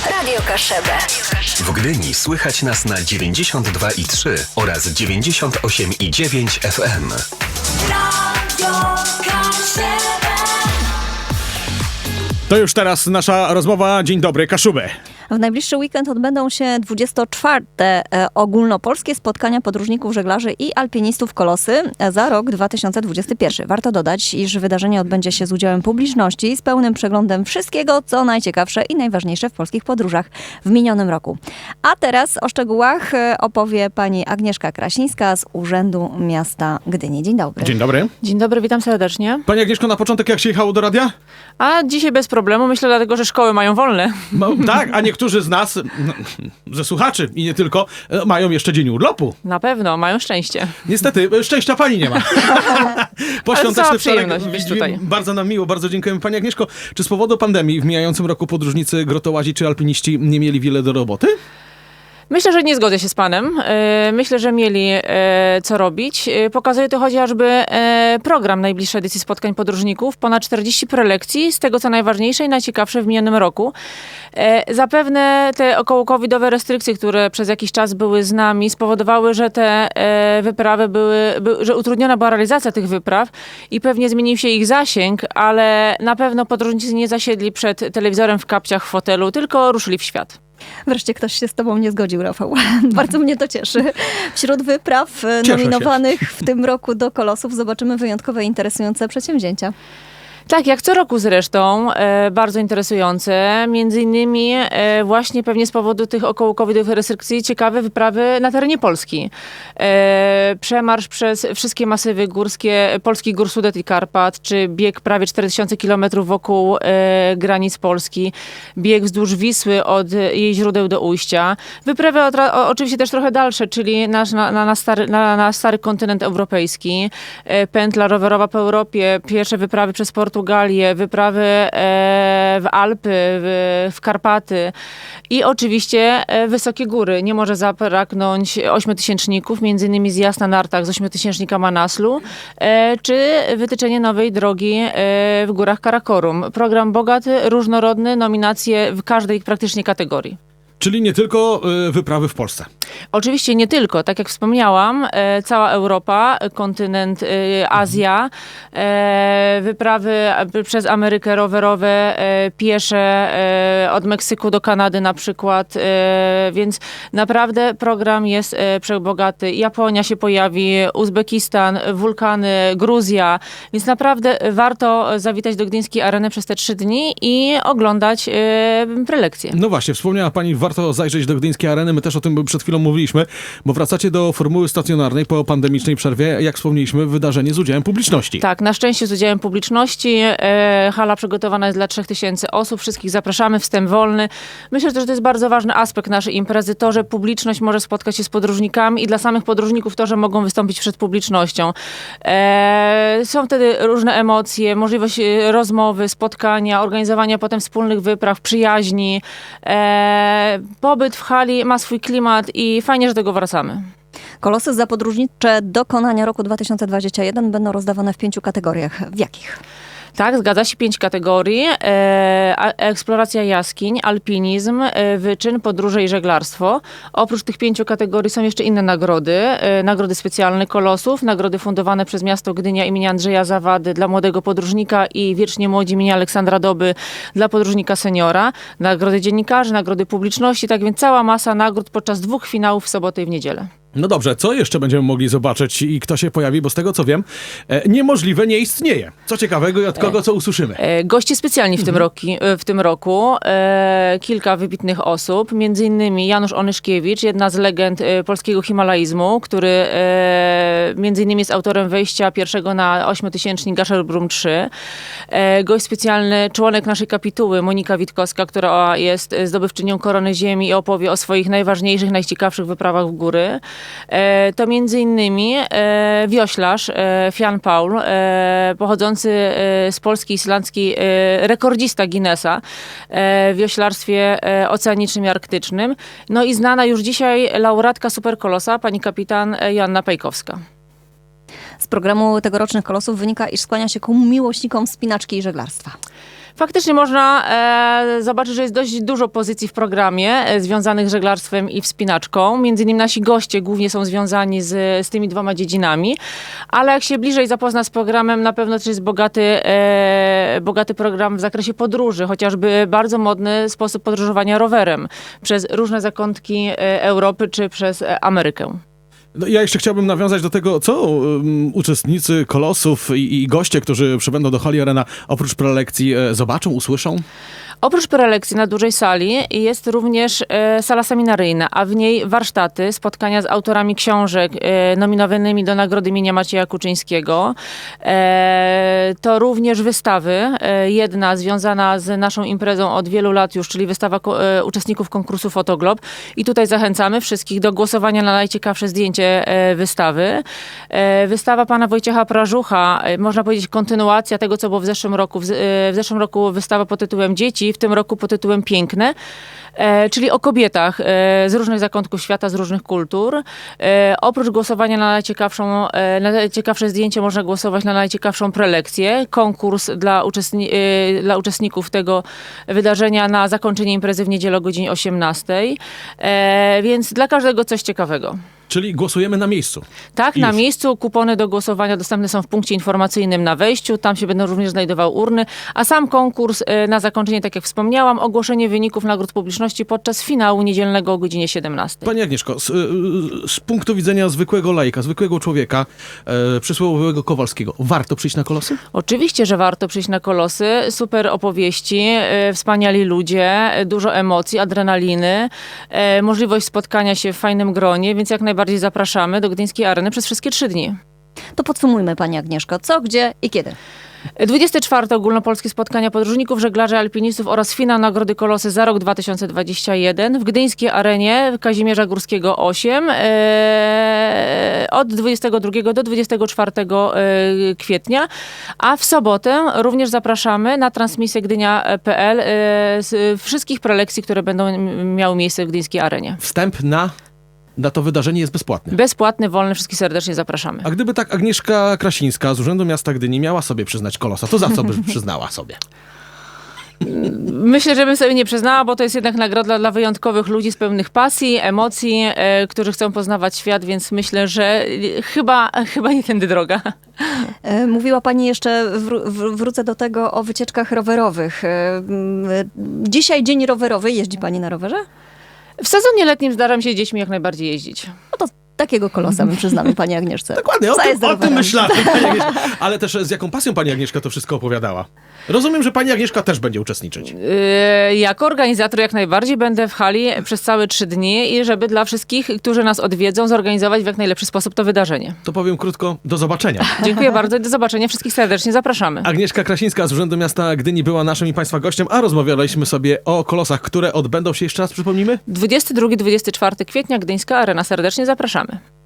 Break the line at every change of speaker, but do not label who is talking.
Radio Kaszebę.
W Gdyni słychać nas na 92,3 oraz 98,9 FM.
Radio Kaszebę.
To już teraz nasza rozmowa. Dzień dobry, Kaszubę.
W najbliższy weekend odbędą się 24. ogólnopolskie spotkania podróżników, żeglarzy i alpinistów Kolosy za rok 2021. Warto dodać, iż wydarzenie odbędzie się z udziałem publiczności, z pełnym przeglądem wszystkiego, co najciekawsze i najważniejsze w polskich podróżach w minionym roku. A teraz o szczegółach opowie pani Agnieszka Krasińska z Urzędu Miasta Gdyni. Dzień dobry.
Dzień dobry.
Dzień dobry, witam serdecznie.
Pani Agnieszko, na początek jak się jechało do radia?
A dzisiaj bez problemu, myślę dlatego, że szkoły mają wolne.
Tak, a niektórzy z nas, ze słuchaczy i nie tylko, mają jeszcze dzień urlopu.
Na pewno, mają szczęście.
Niestety, szczęścia pani nie ma.
cała przyjemność być tutaj.
Bardzo nam miło, bardzo dziękujemy. Pani Agnieszko, czy z powodu pandemii w mijającym roku podróżnicy, grotołazi czy alpiniści nie mieli wiele do roboty?
Myślę, że nie zgodzę się z panem. Myślę, że mieli co robić. Pokazuje to chociażby program najbliższej edycji spotkań podróżników. Ponad 40 prelekcji, z tego co najważniejsze i najciekawsze w minionym roku. Zapewne te około-covidowe restrykcje, które przez jakiś czas były z nami, spowodowały, że te wyprawy że utrudniona była realizacja tych wypraw i pewnie zmienił się ich zasięg, ale na pewno podróżnicy nie zasiedli przed telewizorem w kapciach w fotelu, tylko ruszyli w świat.
Wreszcie ktoś się z tobą nie zgodził, Rafał. Bardzo mnie to cieszy. Wśród wypraw
Cieszę
nominowanych w tym roku do Kolosów zobaczymy wyjątkowe, interesujące przedsięwzięcia.
Tak, jak co roku zresztą, bardzo interesujące. Między innymi właśnie pewnie z powodu tych około-covidowych restrykcji ciekawe wyprawy na terenie Polski. Przemarsz przez wszystkie masywy górskie polskich gór Sudet i Karpat, czy bieg prawie 4000 km wokół granic Polski, bieg wzdłuż Wisły od jej źródeł do ujścia. Wyprawy oczywiście też trochę dalsze, czyli na stary kontynent europejski, pętla rowerowa po Europie, pierwsze wyprawy przez Portugalię, wyprawy w Alpy, w Karpaty i oczywiście wysokie góry. Nie może zabraknąć ośmiotysięczników, między innymi zjazd na nartach z ośmiotysięcznika Manaslu, czy wytyczenie nowej drogi w górach Karakorum. Program bogaty, różnorodny, nominacje w każdej praktycznie kategorii.
Czyli nie tylko wyprawy w Polsce.
Oczywiście nie tylko, tak jak wspomniałam, cała Europa, kontynent Azja, wyprawy przez Amerykę rowerowe, piesze od Meksyku do Kanady na przykład, więc naprawdę program jest przebogaty. Japonia się pojawi, Uzbekistan, wulkany, Gruzja, więc naprawdę warto zawitać do Gdyńskiej Areny przez te 3 dni i oglądać prelekcje.
No właśnie, wspomniała pani, warto zajrzeć do Gdyńskiej Areny. My też o tym przed chwilą mówiliśmy, bo wracacie do formuły stacjonarnej po pandemicznej przerwie. Jak wspomnieliśmy, wydarzenie z udziałem publiczności.
Tak, na szczęście z udziałem publiczności. Hala przygotowana jest dla 3000 osób. Wszystkich zapraszamy, wstęp wolny. Myślę, że to jest bardzo ważny aspekt naszej imprezy, to, że publiczność może spotkać się z podróżnikami i dla samych podróżników to, że mogą wystąpić przed publicznością. Są wtedy różne emocje, możliwość rozmowy, spotkania, organizowania potem wspólnych wypraw, przyjaźni. Pobyt w hali ma swój klimat i fajnie, że do tego wracamy.
Kolosy za podróżnicze dokonania roku 2021 będą rozdawane w 5 kategoriach. W jakich?
Tak, zgadza się, 5 kategorii. Eksploracja jaskiń, alpinizm, wyczyn, podróże i żeglarstwo. Oprócz tych 5 kategorii są jeszcze inne nagrody. Nagrody specjalne Kolosów, nagrody fundowane przez miasto Gdynia imienia Andrzeja Zawady dla młodego podróżnika i wiecznie młodzi imienia Aleksandra Doby dla podróżnika seniora. Nagrody dziennikarzy, nagrody publiczności, tak więc cała masa nagród podczas 2 finałów w sobotę i w niedzielę.
No dobrze, co jeszcze będziemy mogli zobaczyć i kto się pojawi? Bo z tego co wiem, niemożliwe nie istnieje. Co ciekawego i od kogo co usłyszymy?
Goście specjalni w tym roku. Kilka wybitnych osób, między innymi Janusz Onyszkiewicz, jedna z legend polskiego himalaizmu, który między innymi jest autorem wejścia pierwszego na ośmiotysięcznik Gasherbrum 3. Gość specjalny, członek naszej kapituły, Monika Witkowska, która jest zdobywczynią Korony Ziemi i opowie o swoich najważniejszych, najciekawszych wyprawach w góry. To między innymi wioślarz Jan Paul, pochodzący z Polski islandzkiej, rekordzista Guinnessa w wioślarstwie oceanicznym i arktycznym. No i znana już dzisiaj laureatka Superkolosa, pani kapitan Joanna Pejkowska.
Z programu tegorocznych Kolosów wynika, iż skłania się ku miłośnikom wspinaczki i żeglarstwa.
Faktycznie można zobaczyć, że jest dość dużo pozycji w programie związanych z żeglarstwem i wspinaczką. Między innymi nasi goście głównie są związani z tymi dwoma dziedzinami, ale jak się bliżej zapozna z programem, na pewno też jest bogaty program w zakresie podróży, chociażby bardzo modny sposób podróżowania rowerem przez różne zakątki Europy czy przez Amerykę.
No, ja jeszcze chciałbym nawiązać do tego, co uczestnicy Kolosów i goście, którzy przybędą do Hali Arena, oprócz prelekcji zobaczą, usłyszą?
Oprócz prelekcji na dużej sali jest również sala seminaryjna, a w niej warsztaty, spotkania z autorami książek nominowanymi do Nagrody imienia Macieja Kuczyńskiego. To również wystawy. Jedna związana z naszą imprezą od wielu lat już, czyli wystawa uczestników konkursu Fotoglob. I tutaj zachęcamy wszystkich do głosowania na najciekawsze zdjęcie wystawy. Wystawa pana Wojciecha Prażucha, można powiedzieć kontynuacja tego, co było w zeszłym roku. W zeszłym roku wystawa pod tytułem Dzieci, w tym roku pod tytułem Piękne, czyli o kobietach z różnych zakątków świata, z różnych kultur. Oprócz głosowania na najciekawsze zdjęcie można głosować na najciekawszą prelekcję. Konkurs dla uczestników tego wydarzenia na zakończenie imprezy w niedzielę o godzinie 18. Więc dla każdego coś ciekawego.
Czyli głosujemy na miejscu.
Tak, na miejscu. Kupony do głosowania dostępne są w punkcie informacyjnym na wejściu. Tam się będą również znajdowały urny. A sam konkurs na zakończenie, tak jak wspomniałam, ogłoszenie wyników nagród publiczności podczas finału niedzielnego o godzinie 17.
Pani Agnieszko, z punktu widzenia zwykłego laika, zwykłego człowieka, przysłowiowego Kowalskiego, warto przyjść na Kolosy?
Oczywiście, że warto przyjść na Kolosy. Super opowieści, wspaniali ludzie, dużo emocji, adrenaliny, możliwość spotkania się w fajnym gronie, więc jak najbardziej zapraszamy do Gdyńskiej Areny przez wszystkie 3 dni.
To podsumujmy, pani Agnieszko, co, gdzie i kiedy.
24. ogólnopolskie spotkania podróżników, żeglarzy, alpinistów oraz finał Nagrody Kolosy za rok 2021 w Gdyńskiej Arenie Kazimierza Górskiego 8 od 22 do 24 kwietnia, a w sobotę również zapraszamy na transmisję gdynia.pl z wszystkich prelekcji, które będą miały miejsce w Gdyńskiej Arenie.
Wstęp na to wydarzenie jest bezpłatny.
Bezpłatny, wolny, wszystkich serdecznie zapraszamy.
A gdyby tak Agnieszka Krasińska z Urzędu Miasta Gdyni miała sobie przyznać Kolosa, to za co by przyznała sobie?
Myślę, że bym sobie nie przyznała, bo to jest jednak nagroda dla wyjątkowych ludzi z pełnych pasji, emocji, którzy chcą poznawać świat, więc myślę, że chyba nie tędy droga.
Mówiła pani jeszcze, wrócę do tego, o wycieczkach rowerowych. Dzisiaj dzień rowerowy. Jeździ pani na rowerze?
W sezonie letnim zdaram się z dziećmi jak najbardziej jeździć.
No to takiego Kolosa my przyznamy pani Agnieszce.
Dokładnie,
Zajazd
o tym
rowerem.
myślałem. Pani Agnieszka. Ale też z jaką pasją pani Agnieszka to wszystko opowiadała. Rozumiem, że pani Agnieszka też będzie uczestniczyć.
Jako organizator jak najbardziej będę w hali przez całe 3 dni i żeby dla wszystkich, którzy nas odwiedzą, zorganizować w jak najlepszy sposób to wydarzenie.
To powiem krótko, do zobaczenia.
Dziękuję bardzo i do zobaczenia. Wszystkich serdecznie zapraszamy.
Agnieszka Krasińska z Urzędu Miasta Gdyni była naszym i państwa gościem, a rozmawialiśmy sobie o Kolosach, które odbędą się, jeszcze raz przypomnimy?
22-24 kwietnia, Gdyńska Arena. Serdecznie zapraszamy.